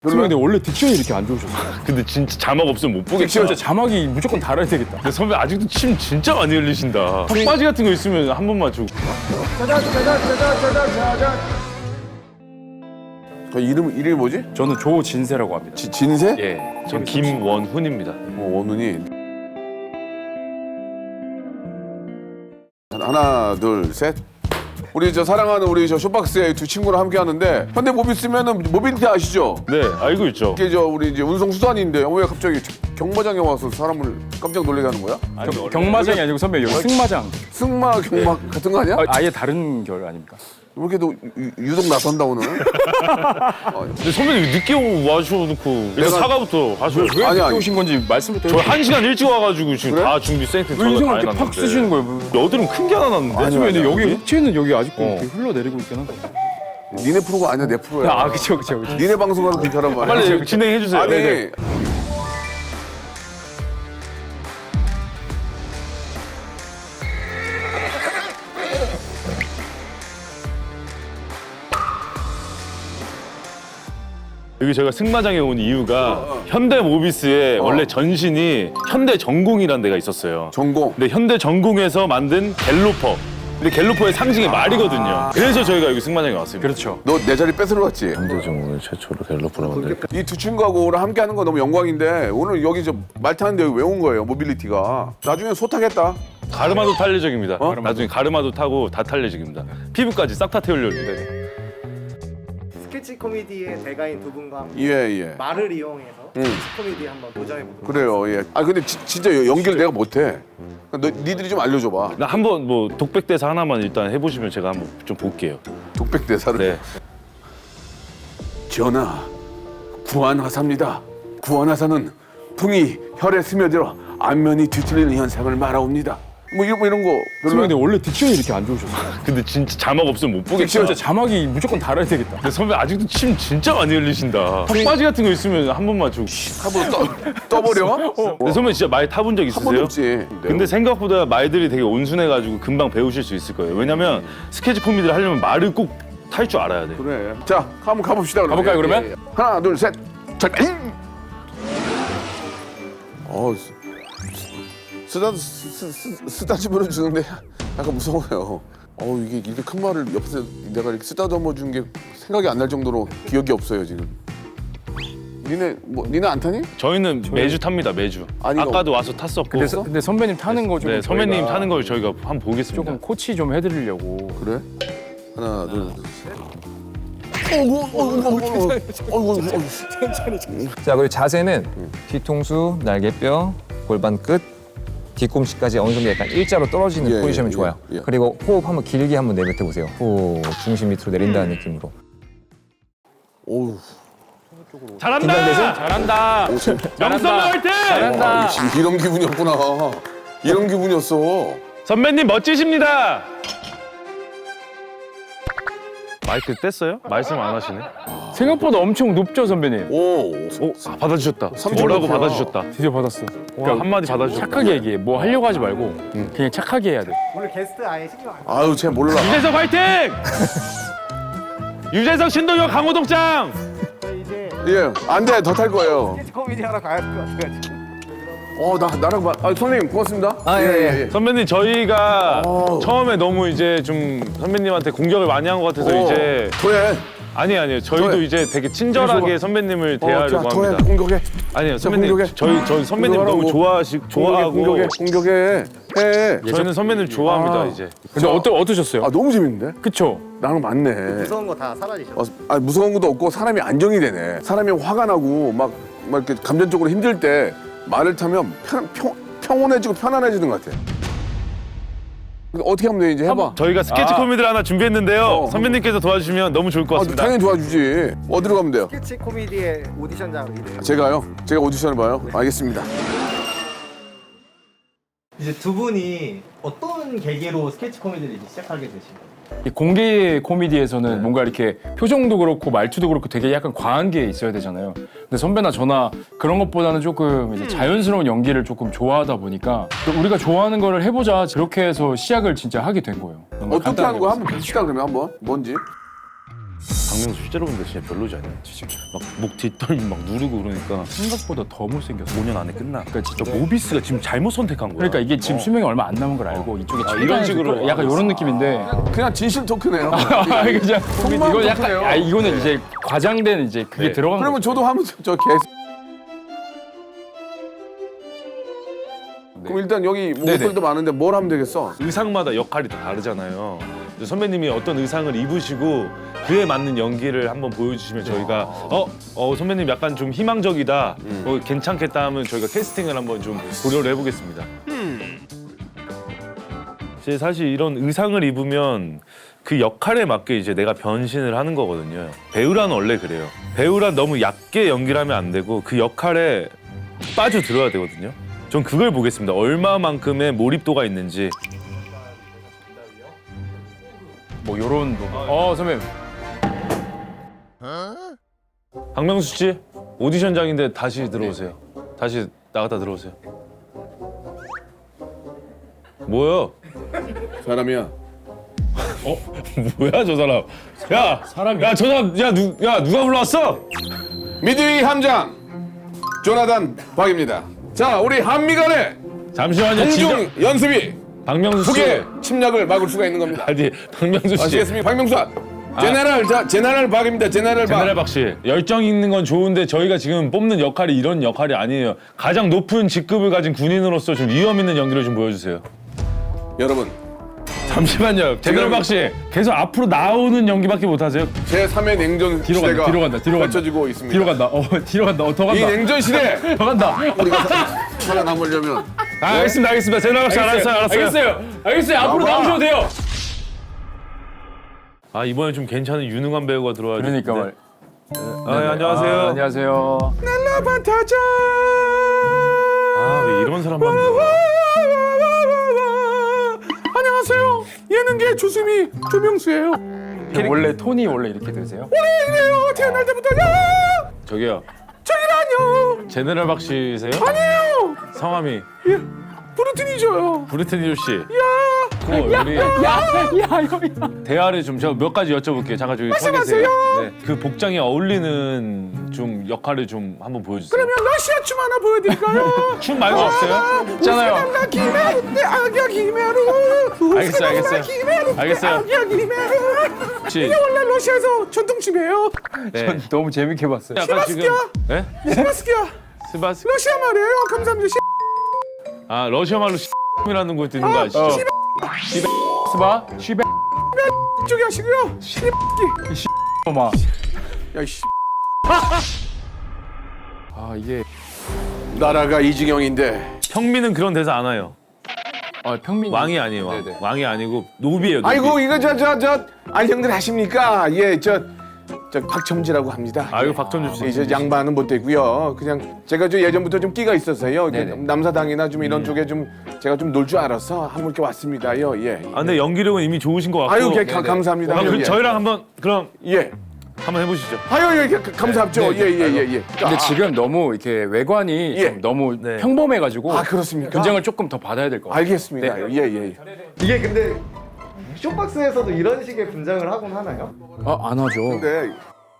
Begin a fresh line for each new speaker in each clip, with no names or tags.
선배님 근데 원래 딕션이 이렇게 안 좋으셨어요?
근데 진짜 자막 없으면 못 보겠다.
진짜 자막이 무조건 달아야 되겠다.
근데 선배 아직도 침 진짜 많이 흘리신다. 턱바지 같은 거 있으면 한 번만 주고.
그 이름이 뭐지?
저는 조진세라고 합니다.
진세?
예, 전 김원훈입니다.
원훈이. 하나, 둘, 셋. 우리 저 사랑하는 우리 저 쇼박스의 두 친구랑 함께 하는데 현대모비스면은 모빌리티 아시죠?
네, 알고 있죠.
이게 저 우리 이제 운송수단인데 왜 갑자기 경마장에 와서 사람을 깜짝 놀라게 하는 거야?
경마장이 아니고 선배 여기 승마장.
승마 경마 같은 거 아니야?
아예 다른 결 아닙니까?
왜 이렇게 너 유독 나선다 오늘?
근데 선배님 늦게 와주셔놓고 일단 사과부터 하셔요.
왜
아니,
늦게
아니.
오신 건지 말씀부터
저
해주세요.
1시간 일찍 와가지고 지금
그래?
다 준비 생태
왜
저희가
인상을
다
이렇게 팍
해놨는데.
쓰시는 거예요?
여드름 큰 게 하나 났는데.
아니,
선배님 근데
아니,
여기 흑채는 여기 아직도
어.
이렇게 흘러내리고 있긴 한데.
니네 프로가 아니야 내 프로야.
아 그쵸.
니네 방송하는 그렇게 하란 말이야.
빨리 진행해주세요.
아니
네. 여기 제가 승마장에 온 이유가 현대모비스의 원래 전신이 현대전공이라는 데가 있었어요.
전공.
근데 현대전공에서 만든 갤로퍼. 근데 갤로퍼의 상징이 말이거든요. 그래서 저희가 여기 승마장에 왔습니다.
그렇죠.
너 내 자리 뺏으러 갔지?
현대전공을 최초로 갤로퍼를 만든.
이 두 친구하고 오늘 함께 하는 거 너무 영광인데 오늘 여기 저 말 타는데 여기 왜 온 거예요? 모빌리티가. 나중에 소 타겠다.
가르마도 탄례적입니다.
어?
나중에 가르마도 타고 다 탄례적입니다. 피부까지 싹 다 태우려는데.
스케치 코미디의 대가인 두 분과 함께
예.
말을 이용해서 스케치 코미디 한번 도전해 보도록
그래요. 예. 아 근데 진짜 연기를 내가 못해. 니들이 좀 알려줘봐.
나 한번 뭐 독백대사 하나만 일단 해보시면 제가 한번 좀 볼게요.
독백 대사를.
네.
전하, 구안화사입니다. 구안화사는 풍이 혈에 스며들어 안면이 뒤틀리는 현상을 말하옵니다. 뭐 이런 거
선배님
별로.
근데 원래 딕션이 이렇게 안 좋으셨어요?
근데 진짜 자막 없으면 못 보겠다.
진짜 자막이 무조건 달아야 되겠다.
근데 선배 아직도 침 진짜 많이 흘리신다. 턱바지 같은 거 있으면 한 번만 주고.
한번 떠버려?
근데 선배 진짜 말 타본 적
한 번도
있으세요?
없지.
근데 생각보다 말들이 되게 온순해가지고 금방 배우실 수 있을 거예요. 왜냐면 스케치 코미디를 하려면 말을 꼭 탈 줄 알아야 돼.
그래. 자, 한번 가봅시다. 그러면.
가볼까요, 그러면?
예. 하나, 둘, 셋. 자, 쓰다듬어 주는데 약간 무서워요. 이게 이렇게 큰 말을 옆에서 내가 이렇게 쓰다듬어 준 게 생각이 안 날 정도로 기억이 없어요 지금. 니네 안 타니?
저희는 매주 탑니다, 매주.
아니,
아까도 와서 탔었고.
근데 선배님 타는 거 좀
네, 선배님
저희가
타는 걸 저희가 한번 보겠습니다.
조금 코치 좀 해드리려고.
그래? 하나, 둘, 셋.
자, 그리고 자세는 뒤통수, 날개뼈, 골반 끝, 뒤꿈치까지 어느 정도 약간 일자로 떨어지는
예,
포지션이
예,
좋아요.
예.
그리고 호흡 한번 길게 한번 내뱉어 보세요. 후, 중심 밑으로 내린다는 느낌으로.
오우.
잘한다!
긴장되세요?
잘한다.
영선배 화이팅!
아, 지금 이런 기분이었구나. 이런 기분이었어.
선배님 멋지십니다. 마이크 뗐어요? 말씀 안 하시네.
생각보다 엄청 높죠 선배님.
오.
받아주셨다.
3점
뭐라고
높이야.
받아주셨다.
드디어 받았어.
와, 한마디 받아주셨다.
착하게 얘기해. 뭐 하려고 하지 말고 그냥 착하게 해야 돼.
오늘 게스트 아예 신경 안 써요.
아유, 쟤 몰라.
유재석 화이팅! 유재석 신동엽 강호동장!
저희 이제
예, 안 돼. 더 탈 거예요.
스케치 코미디 하러 가야 될 것 같아가지고.
나랑 봐. 선생님, 고맙습니다.
예.
선배님 저희가
어우.
처음에 너무 이제 좀 선배님한테 공격을 많이 한 것 같아서 이제
더해.
아니에요. 저희도
더해.
이제 되게 친절하게 선배님을 대하려고
더해.
합니다.
공격해.
아니요 선배님
공격해.
저희 선배님 너무
공격하라고.
좋아하고
공격해. 해.
저희는 선배님 좋아합니다
아.
이제.
근데 어떠셨어요?
너무 재밌는데?
그쵸?
나랑 맞네.
무서운 거 다 사라지셨어요.
무서운 것도 없고 사람이 안정이 되네. 사람이 화가 나고 막 이렇게 감정적으로 힘들 때 말을 타면 평온해지고 편안해지는 것 같아. 근데 어떻게 하면 돼 이제 해봐.
저희가 스케치 코미디를 하나 준비했는데요.
어.
선배님께서 도와주시면 너무 좋을 것 같습니다.
당연히 도와주지. 어디로 가면 돼요?
스케치 코미디의 오디션장으로 이래요.
제가요? 제가 오디션을 봐요? 알겠습니다.
이제 두 분이 어떤 계기로 스케치 코미디를 이제 시작하게 되신 거예요?
이 공개 코미디에서는 뭔가 이렇게 표정도 그렇고 말투도 그렇고 되게 약간 과한 게 있어야 되잖아요. 근데 선배나 저나 그런 것보다는 조금 이제 자연스러운 연기를 조금 좋아하다 보니까 또 우리가 좋아하는 거를 해보자 그렇게 해서 시작을 진짜 하게 된 거예요.
어떻게 하는 거야? 한번 봅시다 그러면 한번. 뭔지.
박명수 실제로 보는데 진짜 별로지 않냐? 막 목 뒷덜미 막 누르고 그러니까
생각보다 더 못생겼어.
5년 안에 끝나.
그러니까 진짜
저 모비스가 지금 잘못 선택한 거야.
그러니까 이게 지금 수명이 얼마 안 남은 걸 알고 이쪽에
이런 식으로
약간 이런 느낌인데
그냥 진실 토크네요.
그죠?
속마음
이거 약간
토크네요.
이거는 이제 과장된 이제 그게
네.
들어간
그러면
거죠.
저도 한번 저 개. 그럼 일단 여기 목소리도 많은데 뭘 하면 되겠어?
의상마다 역할이 다 다르잖아요. 그래서 선배님이 어떤 의상을 입으시고 그에 맞는 연기를 한번 보여주시면 저희가 선배님 약간 좀 희망적이다, 괜찮겠다 하면 저희가 캐스팅을 한번 좀 고려를 해보겠습니다. 이제 사실 이런 의상을 입으면 그 역할에 맞게 이제 내가 변신을 하는 거거든요. 배우란 원래 그래요. 배우란 너무 얕게 연기를 하면 안 되고 그 역할에 빠져들어야 되거든요. 전 그걸 보겠습니다. 얼마만큼의 몰입도가 있는지.
뭐 요런 부분. 선배님.
박명수 씨 오디션장인데 다시 들어오세요. 다시 나갔다 들어오세요. 뭐야?
사람이야.
뭐야 저 사람? 야 사람이. 야 저 사람 누가 불러왔어?
미드위 함장 조나단 박입니다. 자, 우리 한미간의
잠시만요.
공중 연습이
박명수 씨.
북의 침략을 막을 수가 있는 겁니다.
아니 박명수 씨.
아시겠습니까? 박명수 제네럴 박입니다. 제네럴 박.
제네랄 박 씨. 열정 있는 건 좋은데 저희가 지금 뽑는 역할이 이런 역할이 아니에요. 가장 높은 직급을 가진 군인으로서 좀 위험 있는 연기를 좀 보여주세요.
여러분,
잠시만요. 제네랄 박 씨. 계속 앞으로 나오는 연기밖에 못 하세요?
제3의 냉전
뒤로
시대가
간다, 뒤로 간다, 뒤로 간다.
펼쳐지고 있습니다.
뒤로 간다. 뒤로 간다. 더
이
간다.
냉전 시대
더 간다.
우리가 살아남으려면
알겠습니다. 제네랄 박 씨 알았어요.
알겠어요. 앞으로
나와.
나오셔도 돼요.
아 이번에 좀 괜찮은 유능한 배우가 들어와야
그러니까 말.
네, 안녕하세요.
안녕하세요.
날라바타자
아 왜 이런 사람만 들어와?
안녕하세요. 예능계 조수미 조명수예요.
원래 톤이 원래 이렇게 되세요?
이래요. 태어날 때부터요.
저기요.
저기라뇨.
제네랄 박 씨세요?
아니에요.
성함이
브루틴이죠요.
브리트니 씨. 우리 대화를 좀 제가 몇 가지 여쭤볼게요. 잠깐 저기 서 계세요. 네. 그 복장에 어울리는 좀 역할을 좀 한번 보여주세요.
그러면 러시아 춤 하나 보여드릴까요?
춤 말고 없어요?
있잖아요.
우스가나 기메루 내 악야 기메루.
알겠어요. 알겠어요.
악야 기메루.
혹시
이게 원래 러시아에서 전통춤이에요.
네.
너무 재밌게 봤어요.
약간 지금 네?
스바스키야.
스바스
러시아 말이에요. 감사합니다.
아 러시아 말로 이라는 거 듣는 거 아시죠?
스바 쉬베
쪽이 하시고요.
마.
야 씨.
이게
나라가 이 지경인데.
평민은 그런 대사 안 해요.
평민
왕이 아니에요. 왕.
네네.
왕이 아니고 노비예요. 노비.
아이고 이거 형들 아십니까? 저 박첨지라고 합니다.
아이고 박천주 씨.
저 양반은 못 되고요. 그냥 제가 저 예전부터 좀 끼가 있었어요.
네네.
남사당이나 좀 이런 쪽에 좀 제가 좀 놀 줄 알아서 한번 이렇게 왔습니다요. 예.
아 근데 연기력은 이미 좋으신 것 같고.
아유 감사합니다.
그럼
예.
저희랑 한번 그럼
예.
한번 해보시죠.
아유 감사합죠.
네,
예.
근데 지금 너무 이렇게 외관이
예.
좀 너무
네.
평범해가지고
아 그렇습니까?
분장을 조금 더 받아야 될 것 같아요.
알겠습니다.
네.
예.
이게 근데 쇼박스에서도 이런 식의 분장을 하곤 하나요?
안 하죠.
근데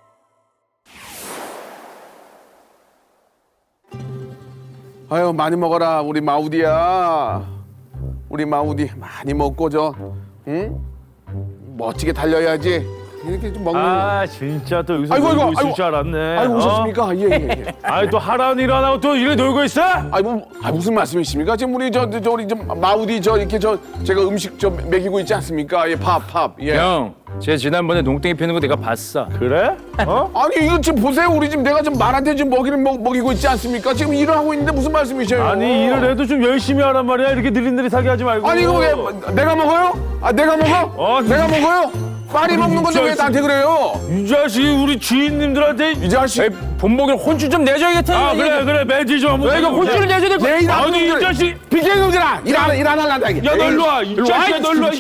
아유 많이 먹어라 우리 마우디야. 우리 마우디 많이 먹고 응? 멋지게 달려야지. 이렇게 좀 먹는.
아 진짜 또 여기서
아이고,
놀고
아이고,
있을
아이고.
줄 알았네.
아이고 오셨습니까? 예.
아이 또 하라는 일 안 하고 또 이래 놀고 있어?
무슨 말씀이십니까? 지금 우리 우리 마우디 이렇게 제가 음식 먹이고 있지 않습니까? 예, 밥. 예.
형, 제 지난번에 농땡이 피는 거 내가 봤어.
그래?
아니 이거 지금 보세요. 우리 지금 내가 지금 말한테 지금 먹이를 먹이고 있지 않습니까? 지금 일을 하고 있는데 무슨 말씀이세요?
아니 일을 해도 좀 열심히 하란 말이야. 이렇게 느릿느릿하게 하지 말고.
아니 이거 왜 내가 먹어요? 내가 먹어? 내가 먹어요? 빨리 먹는 건데 왜 나한테 그래요?
이 자식이 우리 주인님들한테
이 자식.
본보기를 혼쭐 좀 내줘야겠다.
그래 매지 좀 한번.
이거 혼쭐을 내줘야 될 거.
내 일 안
아니 이
하는
자식.
비켜놈들아 일 안 할란다 이게.
야 너 일로 와. 이 자식아 너 일로 와.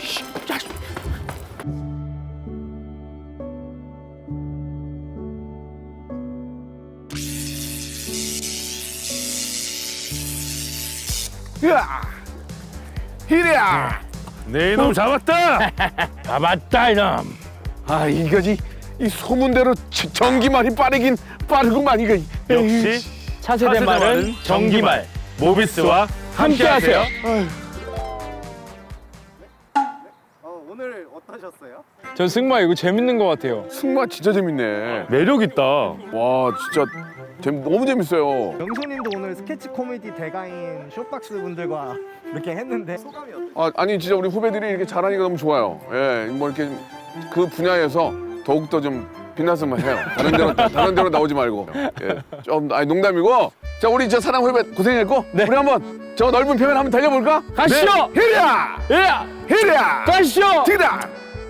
으아! 히랴!
내 이놈 잡았다.
아 맞다 이놈.
아 이거지 이 소문대로 전기말이 빠르긴 빠르구만 이거.
역시
차세대 말은 전기말.
모비스와 함께하세요.
오늘 어떠셨어요?
전 승마 이거 재밌는 것 같아요.
승마 진짜 재밌네.
매력 있다.
와 진짜 너무 재밌어요.
명수님도 오늘 스케치 코미디 대가인 쇼박스 분들과 이렇게 했는데 소감이 어떠세요?
아니 진짜 우리 후배들이 이렇게 잘하니까 너무 좋아요. 예, 뭐 이렇게 그 분야에서 더욱더 좀 빛났으면 해요. 다른 데로 나오지 말고. 예, 좀 농담이고. 자 우리 저 사랑 후배 고생했고 우리 한번 저 넓은 평을 한번 달려볼까?
가시죠.
네. 히랴
예,
히랴
가시죠.
디다.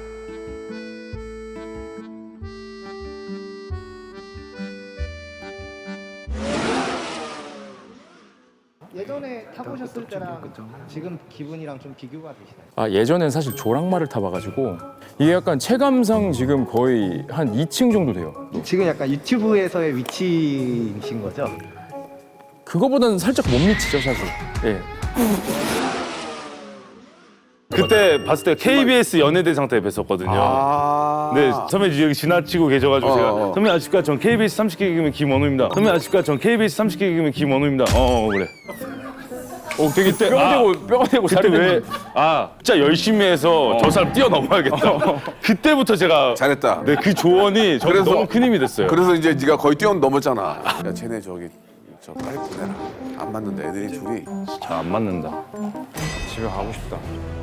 예전에 타보셨을 때랑 지금 기분이랑 좀 비교가 되시나요?
아 예전엔 사실 조랑말을 타봐가지고 이게 약간 체감상 지금 거의 한 2층 정도 돼요.
지금 약간 유튜브에서의 위치이신 거죠?
그거보다는 살짝 못 미치죠 사실. 예.
그때 봤을 때 KBS 연예대상 때 뵀었거든요.
아.
네, 선배님 여기 지나치고 계셔가지고 제가
어.
선배님 아십니까? 전 KBS 30개 개그맨 김원우입니다. 선배님 아십니까? 전 KBS 30개 개그맨 김원우입니다. 그래.
되게 뼈가 되고
그때
살이
왜? 진짜 열심히 해서 저 사람 뛰어넘어야겠다. 그때부터 제가
잘했다.
네, 그 조언이 저는
그래서-
너무 큰 힘이 됐어요.
그래서 이제 네가 거의 뛰어넘었잖아. 야 쟤네 저기 저 빨리 보내라. 안 맞는다. 애들이 둘이.
잘 안 맞는다.
집에 가고 싶다.